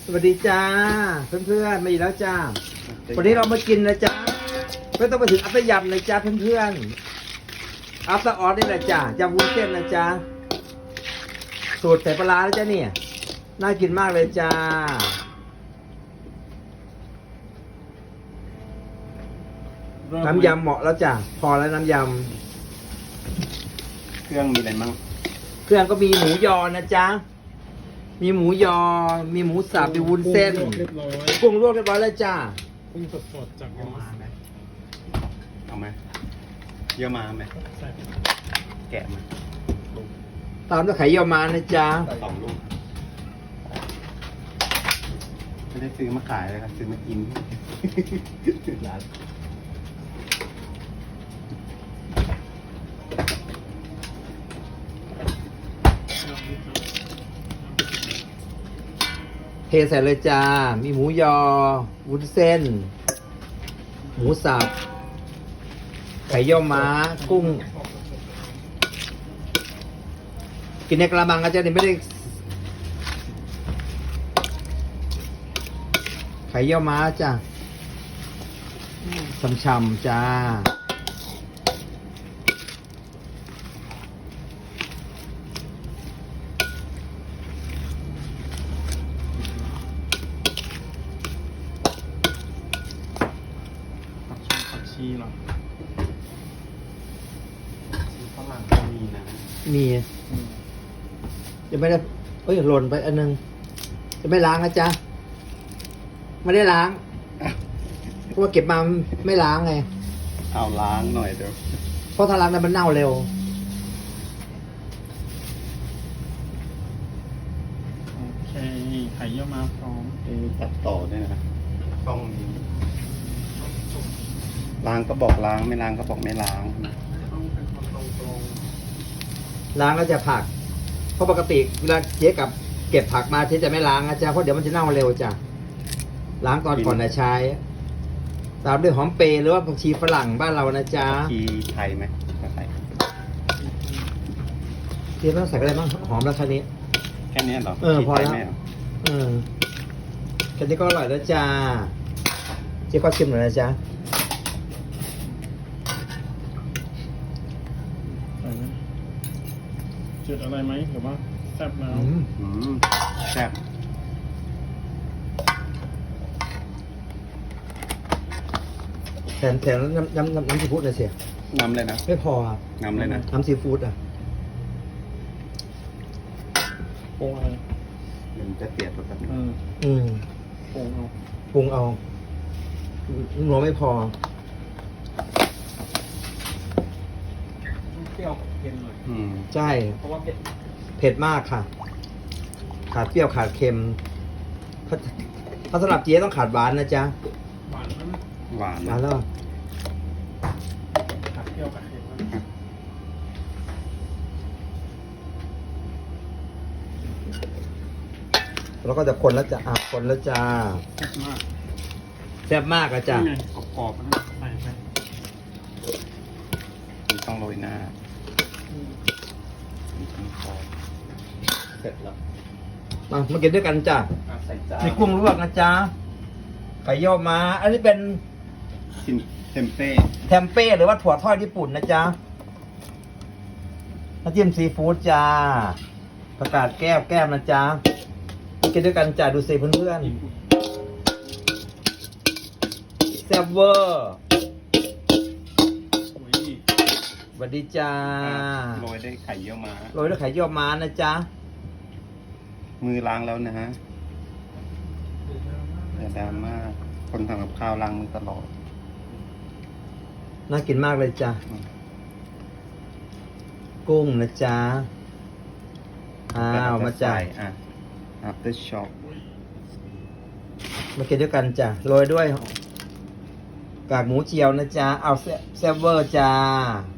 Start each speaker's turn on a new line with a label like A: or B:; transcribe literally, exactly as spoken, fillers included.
A: สวัสดีจ้าเพื่อนๆมาอีกแล้วจ้าวันนี้เรามากินนะจ้าไม่ต้องไปถึงอัปยำเลยจ้าเพื่อนๆอัปตาออสนี่แหละจ้ายำวุ้นเส้นนะจ้าสูตรใส่ปลาร้าแล้วจ้าเนี่ยน่ากินมากเลยจ้าน้ำยำเหมาะแล้วจ้าพอแล้วน้ำย
B: ำเครื่องมีอะไรบ้าง
A: เครื่องก็มีหมูยอนะจ้ามีหมูยอมีหมูสับมีวุ้นเส้นกุ้งลวกเรียบร้อยแล้วจ้า
C: กุ้งสดๆจากเยอรมันไหม
B: เอาไหมเยอะมาไหมแกะมา
A: ตามด้วยไข่เยี่ยวม้านะจ๊ะ
B: สองลูกไม่ได้ซื้อมาขายเลยครับซื้อมากิน
A: เทใส่เลยจ้ามีหมูยอวุ้นเส้นหมูสับไข่เยี่ยวม้ากุ้งกินในกระมังอาจารย์นี่ไม่ได้ไข่เยี่ยวม้าจ้าช่ำๆจ้า
C: ผักชีเหรอ
B: ฝรั่งก็มีนะ
A: มีจะไม่ได้เอ้ยหล่นไปอันนึงจะไม่ล้างนะจ๊ะไม่ได้ล้างเพราะว่าเก็บมาไม่ล้างไง
B: เอาล้างหน่อยเดี๋ยว
A: เพราะถ้าล้างแล้วมันเน่าเร็ว
C: โอเคไข่เยี่ยวม้าพร้อม
B: ตัดต่อด้วยนะช่องนี้ล้างก็บอกล้างไม่ล้างก็บอกไม่ล้าง
C: ต้องเป็นคนตรง
A: ๆล้างแล้วจะผักเพราะปกติเวลาเจ๊กับเก็บผักมาเจ๊จะไม่ล้างนะจ๊ะเพราะเดี๋ยวมันจะเน่าเร็วจ้ะล้างก่อนก่อนจะใช้ตามด้วยหอมเปรย์หรือว่าผักชีฝรั่งบ้านเรานะจ๊ะ
B: ผักชีไทยไหมใส่
A: เจ๊ไม่ต้องใส่อะไรบ้างหอมแล้วแค่นี้
B: แค่นี้เหรอ
A: เออพอแล้วเออแค่นี้ก็อร่อยแล้วจ้าเจ๊ก็ชิมหน่อยนะจ๊ะ
C: จุดอะไรไหมหรือว่าแซ่บแล้ว
B: แซ่บ
A: แถมแถมน้ำน้ำน้ำน้ำซีฟู้ดเลยเสีย
B: น้ำเลยนะ
A: ไม่พอครับ
B: น้ำเลยนะ
A: น้ำซีฟู้ดอ่ะ
C: ปรุงอะไร
B: มันจะเปลี่ยนแบบนี้
A: อืม
C: ปรุงเอา
A: ปรุงเอาหนัวไม่พอ
C: เปรี้ยวเค็มหน่อย
A: ใช่
C: เพราะว่าเผ็ด
A: เผ็ดมากค่ะขาดเปรี้ยวขาดเค็มถ้าสำหรับเจ๊ต้องขาดหวานนะจ๊ะ
C: หวานไหม
B: หวาน
A: หวานแล้ว
C: ขาดเปรี้ยวขาดเค็ม
A: แล้วก็จะคนแล้วจะอ่ะคนแล้วจ้า
C: แซ่บมาก
A: แซ่บมากอะจ้ะ
C: กรอบๆนะใส่ไป
B: ต้องโรยหน้าเสร็จแล้ว
A: มามากินด้วยกันจ้ะมีกุ้งลวกนะจ๊ะไข่เยี่ยวม้าอันนี้เป็น
B: เทมเป้
A: เทมเป้หรือว่าถั่วทอดญี่ปุ่นนะจ๊ะน้ำจิ้มซีฟู้ดจ้าประกาศแก้วแก้มนะจ๊ะกินด้วยกันจ้ะดูสิเพื่อนๆแซ่บเวอร์สวัสดีจ้า
B: โรยด้วยไข่เยี่ยวม้า
A: โรยด้วยไข่เยี่ยวม้านะจ๊ะ
B: มือล้างแล้วนะฮะแต่ดราม่าคนทำกับข้าวล้างมือตลอด
A: น่ากินมากเลยจ้ะกุ้งนะจ๊ะอ้าวมาจ่าย
B: อ่ะ after shop
A: มากินด้วยกันจ้ะโรยด้วยกากหมูเจียวนะจ๊ะเอาแซ่บเวอร์จ้า